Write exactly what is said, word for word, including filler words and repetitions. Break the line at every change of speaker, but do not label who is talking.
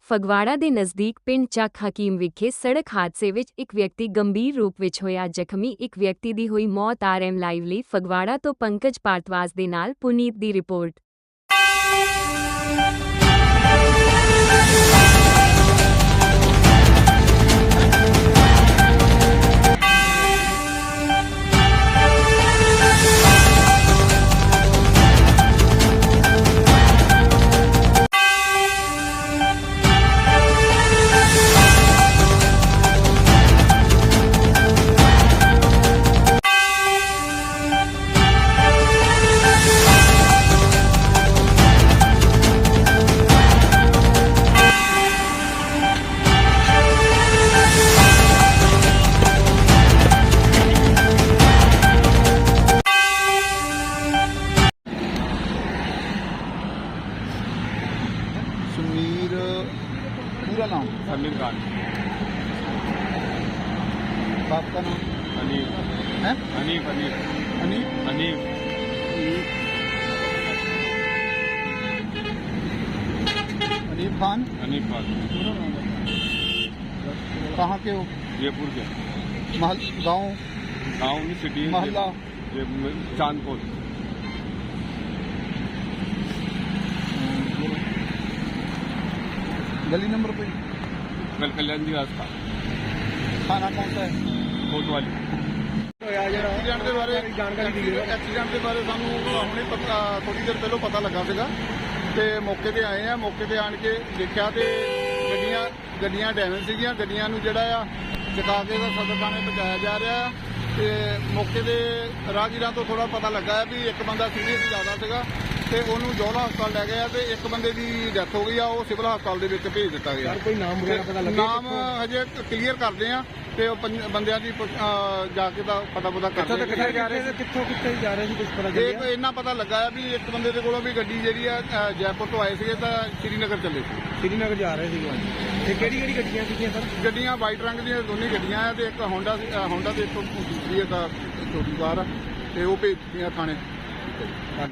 ਫਗਵਾੜਾ ਦੇ ਨਜ਼ਦੀਕ ਪਿੰਡ ਚੱਕ ਹਕੀਮ ਵਿਖੇ ਸੜਕ ਹਾਦਸੇ ਵਿੱਚ ਇੱਕ ਵਿਅਕਤੀ ਗੰਭੀਰ ਰੂਪ ਵਿੱਚ ਹੋਇਆ ਜ਼ਖਮੀ। ਇੱਕ ਵਿਅਕਤੀ ਦੀ ਹੋਈ ਮੌਤ। ਆਰ ਐਮ ਲਾਈਵ ਲਈ ਫਗਵਾੜਾ ਤੋਂ ਪੰਕਜ ਭਾਰਤਵਾਜ ਦੇ ਨਾਲ ਪੁਨੀਤ ਦੀ ਰਿਪੋਰਟ।
सुमीर पूरा नाम
समीर खान।
बाप का नाम
हनीफ
है
हनीफ हनीफ
हनीफ
हनीफ
हनीफ खान।
हनीफ खान
कहाँ के हो?
जयपुर के।
महल गांव
गाँव में सिटी
मोहल्ला
चांदपुर।
गली नंबर पे
कल कल्याण जी रास्ता
थाना कौन सा है?
कोतवाली।
ਐਕਸੀਡੈਂਟ ਦੇ ਬਾਰੇ ਜਾਣਕਾਰੀ ਦੀ ਐਕਸੀਡੈਂਟ ਦੇ ਬਾਰੇ ਸਾਨੂੰ ਹੁਣੇ ਪਤਾ ਥੋੜੀ ਦੇਰ ਪਹਿਲਾਂ ਪਤਾ ਲੱਗਾ ਸੀਗਾ ਤੇ ਮੌਕੇ ਤੇ ਆਏ ਆ। ਮੌਕੇ ਤੇ ਆਣ ਕੇ ਦੇਖਿਆ ਤੇ ਗੱਡੀਆਂ ਗੱਡੀਆਂ ਡੈਮੇਜ ਸੀਗੀਆਂ। ਗੱਡੀਆਂ ਨੂੰ ਜਿਹੜਾ ਆ ਚਕਾ ਕੇ ਦਾ ਸਦਰ ਥਾਣੇ ਪਹੁੰਚਾਇਆ ਜਾ ਰਿਹਾ ਆ ਤੇ ਮੌਕੇ ਦੇ ਰਾਹਗੀਰਾਂ ਤੋਂ ਥੋੜਾ ਪਤਾ ਲੱਗਾ ਹੈ ਵੀ ਇੱਕ ਬੰਦਾ ਸੀਰੀਅਸ ਜ਼ਿਆਦਾ ਸੀਗਾ ਤੇ ਉਹਨੂੰ ਜੋਲਾ ਹਸਪਤਾਲ ਲੈ ਗਏ ਆ ਤੇ ਇੱਕ ਬੰਦੇ ਦੀ ਡੈਥ ਹੋ ਗਈ ਆ। ਉਹ ਸਿਵਲ ਹਸਪਤਾਲ ਦੇ ਵਿੱਚ ਭੇਜ ਦਿੱਤਾ ਗਿਆ।
ਕੋਈ ਨਾਮ ਵਗੈਰਾ ਪਤਾ ਲੱਗਿਆ?
ਨਾਮ ਹਜੇ ਕਲੀਅਰ ਕਰਦੇ ਆ ਤੇ ਉਹ ਪੰਜ- ਬੰਦਿਆਂ ਦੀ ਅਹ, ਜਾ ਕੇ ਦਾ ਪਤਾ ਪਤਾ ਕਰਦੇ ਆ।
ਕਿੱਥੇ ਜਾ ਰਹੇ ਸੀ ਕਿੱਥੋਂ ਕਿੱਥੇ ਜਾ ਰਹੇ ਸੀ ਕੁਝ ਪਤਾ
ਇਹ
ਚੱਲਿਆ?
ਇੰਨਾ ਪਤਾ ਲੱਗਾ ਆ ਵੀ ਇੱਕ ਬੰਦੇ ਦੇ ਕੋਲੋਂ ਵੀ ਗੱਡੀ ਜਿਹੜੀ ਆ ਅਹ, ਜੈਪੁਰ ਤੋਂ ਆਏ ਸੀਗੇ ਤਾਂ ਸ਼੍ਰੀਨਗਰ ਚੱਲੇ ਸੀ।
ਸ਼੍ਰੀਨਗਰ ਜਾ ਰਹੇ ਸੀਗੇ। ਤੇ ਕਿਹੜੀ ਕਿਹੜੀ ਗੱਡੀਆਂ ਸੀਗੀਆਂ ਸਰ?
ਗੱਡੀਆਂ ਵਾਈਟ ਰੰਗ ਦੀਆਂ ਦੋਨੇ ਗੱਡੀਆਂ ਆ ਤੇ ਇੱਕ ਹੋਂਡਾ ਹੋਂਡਾ ਦੇ ਇੱਕ ਦੂਸਰੀ ਇੱਕ ਛੋਟੀ ਕਾਰ ਆ ਤੇ ਉਹ ਭੇਜ ਦਿੱਤੀਆਂ ਥਾਣੇ।